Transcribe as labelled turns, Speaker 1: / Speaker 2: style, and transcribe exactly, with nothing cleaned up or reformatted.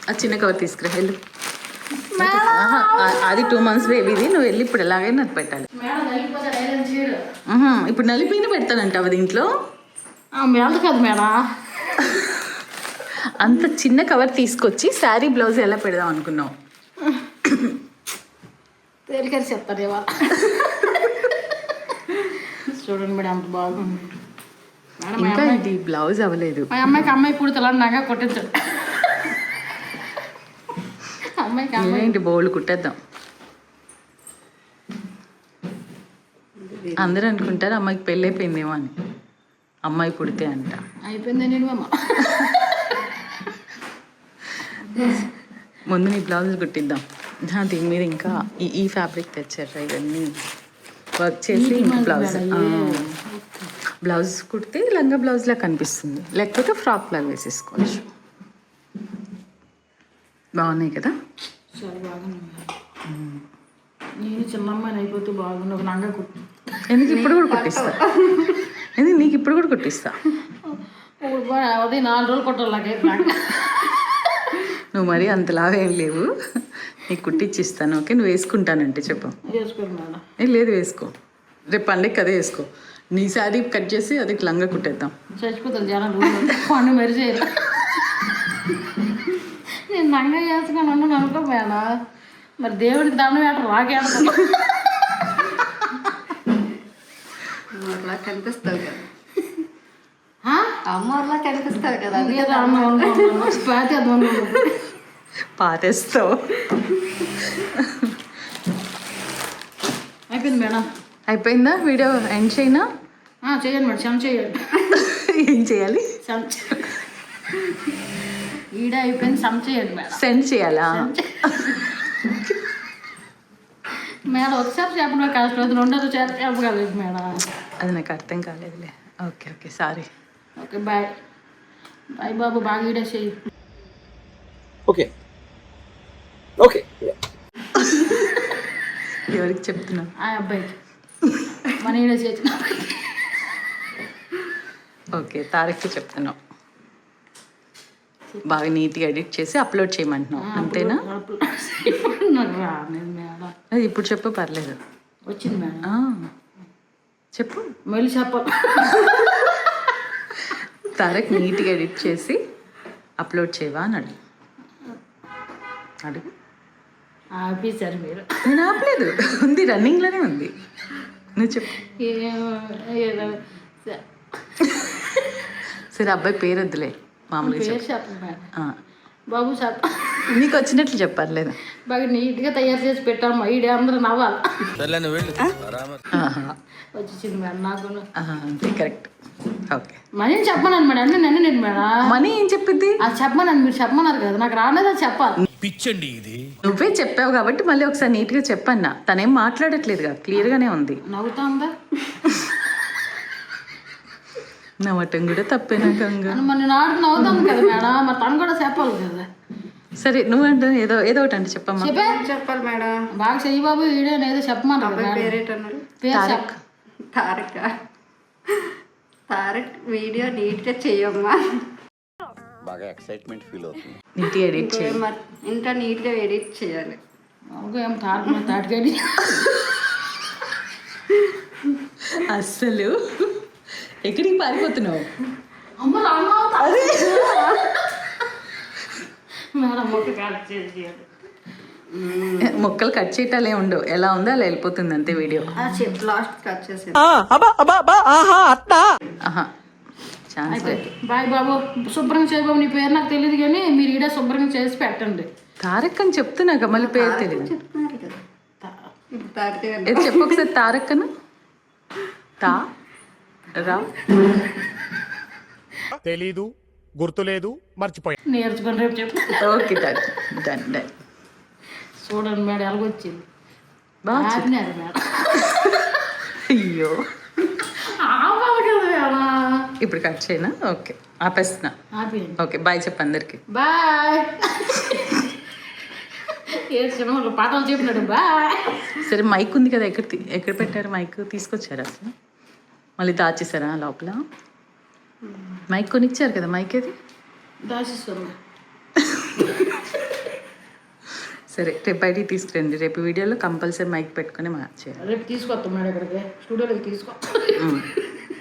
Speaker 1: ఆ చిన్న కవర్ తీసుకురా వెళ్ళు. అది టూ మంత్స్ బేబీది, నువ్వు వెళ్ళి ఇప్పుడు ఎలాగైనా నాకు పెట్టాలి. ఇప్పుడు నలిపిన పెడతానంట అవి దీంట్లో
Speaker 2: కదా మేడం.
Speaker 1: అంత చిన్న కవర్ తీసుకొచ్చి శారీ బ్లౌజ్ ఎలా పెడదాం అనుకున్నావు?
Speaker 2: తేలికని చెప్తారు ఇవాళ. చూడండి మేడం అంత బాగుంది.
Speaker 1: ఇంకా ఇది బ్లౌజ్ అవ్వలేదు.
Speaker 2: మా అమ్మాయికి అమ్మాయి పుడతలని నాగా కొట్టించండి. అమ్మాయికి
Speaker 1: అమ్మాయి బోళ్ళు కుట్టేద్దాం. అందరూ అనుకుంటారు అమ్మాయికి పెళ్ళి అయిపోయిందేమో అని. అమ్మాయి పుడితే అంట
Speaker 2: అయిపోయింది. నేను అమ్మ
Speaker 1: ముందు నీ బ్లౌజ్ కుట్టిద్దాం. దీని మీద ఇంకా ఈ ఈ ఫ్యాబ్రిక్ తెచ్చారు, ఇవన్నీ వర్క్ చేసి ఇంకా బ్లౌజ్ బ్లౌజ్ కుడితే లంగా బ్లౌజ్లా కనిపిస్తుంది, లేకపోతే ఫ్రాక్ లాగా వేసేసుకోవచ్చు. బాగున్నాయి కదా?
Speaker 2: చాలా బాగున్నాయి. నేను చిన్న అమ్మాయిని అయిపోతే బాగుంది. ఒక లంగా కుట్టి
Speaker 1: ఎందుకు ఇప్పుడు కూడా కుట్టిస్తా. ఎందుకు నీకు ఇప్పుడు కూడా కుట్టిస్తా.
Speaker 2: అదే నాలుగు రోజులు కుట్టాలి.
Speaker 1: నువ్వు మరీ అంతలాగా ఏం లేవు, నీకు కుట్టిచ్చిస్తాను. ఓకే, నువ్వు వేసుకుంటానంటే చెప్పు. ఏ లేదు వేసుకో, రేపు పండగకి అదే వేసుకో. నీ శారీ కట్ చేసి అది లంగా కుట్టేద్దాం.
Speaker 2: చచ్చిపోతాను జనాలు పండు మరి చేయరు. నేను లంగా చేసుకుని ఉన్నాను అనుకో మేడం, మరి దేవుడికి దండం వేట రాకేడతాను.
Speaker 3: అలా కనిపిస్తావు కదా, అమ్మలా కనిపిస్తావు కదా.
Speaker 1: పాతేస్తావు.
Speaker 2: అయిపోయింది మేడం.
Speaker 1: అయిపోయిందా? వీడియో ఎండ్ చేయనా?
Speaker 2: చేయండి మేడం. సెండ్ చేయండి.
Speaker 1: ఏం చేయాలి?
Speaker 2: వీడియో అయిపోయింది, సెండ్ చేయండి మేడం.
Speaker 1: సెండ్ చేయాలా
Speaker 2: మేడం? ఒకసారి చెప్పడం కష్టం, రెండోది చెప్పగలేదు మేడం.
Speaker 1: అది నాకు అర్థం కాలేదులే. Okay okay sorry.
Speaker 2: Okay bye bye బాబు. బాగా వీడియో చేయి.
Speaker 4: Okay okay.
Speaker 1: ఎవరికి చెప్తున్నా?
Speaker 2: ఆ అబ్బాయికి మన వీడియో చేసిన.
Speaker 1: ఓకే, తారక్కి చెప్తున్నావు. బాగా నీట్గా ఎడిట్ చేసి అప్లోడ్ చేయమంటున్నావు అంతేనా? అది ఇప్పుడు చెప్పు, పర్లేదు.
Speaker 2: వచ్చింది మేడం,
Speaker 1: చెప్పు.
Speaker 2: మళ్ళీ చెప్ప.
Speaker 1: తారక్ నీట్గా ఎడిట్ చేసి అప్లోడ్ చేయవా అని అడుగు. అడుగు.
Speaker 2: ఆపేశారు మీరు.
Speaker 1: నేను ఆపలేదు, ఉంది, రన్నింగ్లోనే ఉంది. నువ్వు చెప్పు. సరే అబ్బాయి పేరు వద్దులే, మామూలుగా చెప్పు.
Speaker 2: బాబు చెప్ప.
Speaker 1: నీకు వచ్చినట్లు చెప్పర్లేదు.
Speaker 2: బాగా నీట్గా తయారు చేసి పెట్టాము. ఈడే అందరూ నవ్వాలి. వచ్చింది మేడం నాకు.
Speaker 1: అంతే, కరెక్ట్. ఓకే.
Speaker 2: మనీ చెప్పమన్నాను మేడం, అన్నీ నన్ను నేను మేడం.
Speaker 1: మనీ ఏం చెప్పింది?
Speaker 2: అది చెప్పమన్నాను, మీరు చెప్పమన్నారు కదా, నాకు రాలేదు, అది చెప్పాలి.
Speaker 4: పిచ్చండి ఇది.
Speaker 1: నువ్వే చెప్పావు కాబట్టి మళ్ళీ ఒకసారి నీట్గా చెప్పన్నా. తనేం మాట్లాడట్లేదుగా, క్లియర్గానే ఉంది.
Speaker 2: నవ్వుతా ఉందా?
Speaker 1: నవ్వటం కూడా తప్పేనా గంగా?
Speaker 2: మరి నాకు నవ్వుతాను కదా మేడం, మరి తను కూడా చెప్పాలి కదా.
Speaker 1: సరే నువ్వంటే ఏదో ఏదో ఒకటి అంటే చెప్పమ్మా.
Speaker 2: చెప్పే
Speaker 3: చెప్పాలి మేడం.
Speaker 2: బాగా చెయ్యి బాబు వీడియో ఏదో చెప్పమన్నారు.
Speaker 3: పేరేటన్నారు?
Speaker 1: తారక్.
Speaker 3: తారక్ తారక్ వీడియో నీట్గా చెయ్యమ్మా.
Speaker 4: బాగా ఎక్సైట్మెంట్ ఫీల్ అవుతుంది.
Speaker 1: నీట్గా ఎడిట్ చేయి.
Speaker 3: ఇంకా నీట్గా ఎడిట్ చేయాలి.
Speaker 2: ఏం తారక్ తాటగడి
Speaker 1: అస్సలు ఎక్కడికి పారిపోతున్నావు?
Speaker 2: అమ్మ మేడం మొక్క కట్ చేసి
Speaker 1: మొక్కలు కట్ చేయటాలే ఉండవు, ఎలా ఉందో అలా వెళ్ళిపోతుంది అంతే వీడియో.
Speaker 3: లాస్ట్ కట్ చేసి.
Speaker 2: బాయ్ బాబు. శుభ్రంగా చేయ బాబు. నీ పేరు నాకు తెలియదు కానీ మీరు ఈడ శుభ్రంగా చేసి పెట్టండి.
Speaker 1: తారక్ అని చెప్తున్నాక మళ్ళీ పేరు తెలియదు.
Speaker 3: చెప్తున్నారు కదా,
Speaker 1: ఏదో చెప్పు ఒకసారి. తారక్ అను. తా రా
Speaker 5: తెలీదు, గుర్తులేదు, మర్చిపోయా.
Speaker 2: నేర్చుకొని రేపు చెప్పు.
Speaker 1: Okay done done done.
Speaker 2: చూడండి మేడం ఎలాగొచ్చింది.
Speaker 1: బాగా
Speaker 2: ఆడినారు మేడం.
Speaker 1: అయ్యో
Speaker 2: ఆపాలి కదా మేడం.
Speaker 1: ఇప్పుడు కట్ చేయనా? ఓకే ఆపేస్తున్నా.
Speaker 2: ఆపేయండి.
Speaker 1: ఓకే బాయ్ చెప్పు అందరికి.
Speaker 2: బాయ్. ఏడ్చిన వాళ్ళు పాటలు చెప్పినాడు బాయ్.
Speaker 1: సరే మైక్ ఉంది కదా, ఎక్కడ ఎక్కడ పెట్టారు మైక్? తీసుకొచ్చారా అసలు? మళ్ళీ దాచేసారా లోపల? మైక్ కొనిచ్చారు కదా, మైక్ ఏది?
Speaker 2: దాచిస్తుంది.
Speaker 1: సరే రేపు బయటికి తీసుకురండి. రేపు వీడియోలో కంపల్సరీ మైక్ పెట్టుకొని మార్చేయాలి.
Speaker 2: రేపు తీసుకొస్తాం మేడం ఇక్కడికి స్టూడియోలోకి తీసుకో